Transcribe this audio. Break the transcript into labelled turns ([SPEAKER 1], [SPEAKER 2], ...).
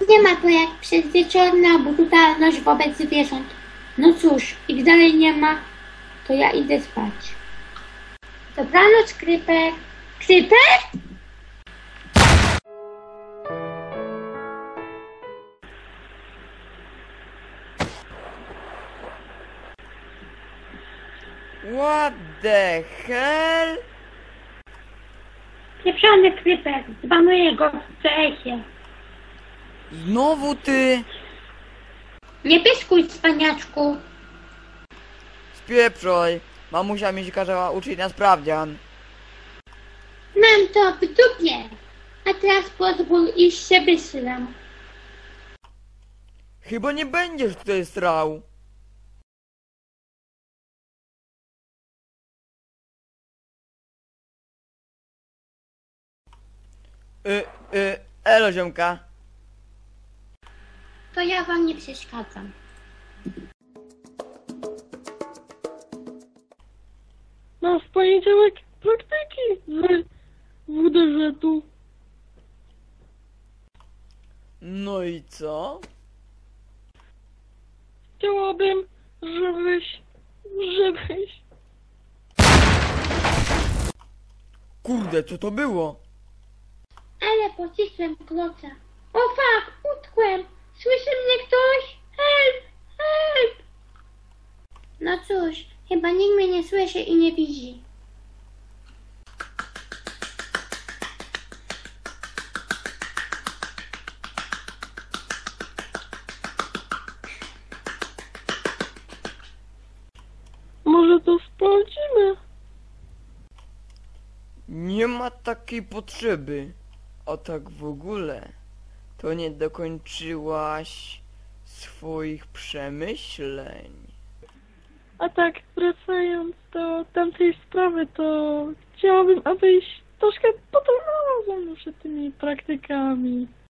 [SPEAKER 1] Nie ma to jak przedwieczorna brutalność wobec zwierząt. No cóż, ich dalej nie ma, to ja idę spać. Dobranoc, Kryper. Kryper?
[SPEAKER 2] What the hell?
[SPEAKER 1] Pieprzony Kryper, zbanuję go w cesie.
[SPEAKER 2] Znowu ty?
[SPEAKER 1] Nie pyskuj, cwaniaczku.
[SPEAKER 2] Spieprzoj. Mamusia mi się kazała uczyć na sprawdzian.
[SPEAKER 1] Mam to w dupie. A teraz pozwól, iż się wysyłam.
[SPEAKER 2] Chyba nie będziesz tutaj strał. Elo ziomka.
[SPEAKER 1] To ja wam nie przeszkadzam.
[SPEAKER 3] Mam w poniedziałek praktyki z WDŻ-u.
[SPEAKER 2] No i co?
[SPEAKER 3] Chciałabym, żebyś...
[SPEAKER 2] Kurde, co to było?
[SPEAKER 1] Ale pocisłem kloca. O fuck, utkłem. Słyszy mnie ktoś? Help, help. No cóż, chyba nikt mnie nie słyszy i nie widzi.
[SPEAKER 3] Może to sprawdzimy?
[SPEAKER 2] Nie ma takiej potrzeby. A tak w ogóle, to nie dokończyłaś swoich przemyśleń.
[SPEAKER 3] A tak, wracając do tamtej sprawy, to chciałabym, abyś troszkę potrenował ze mną przed tymi praktykami.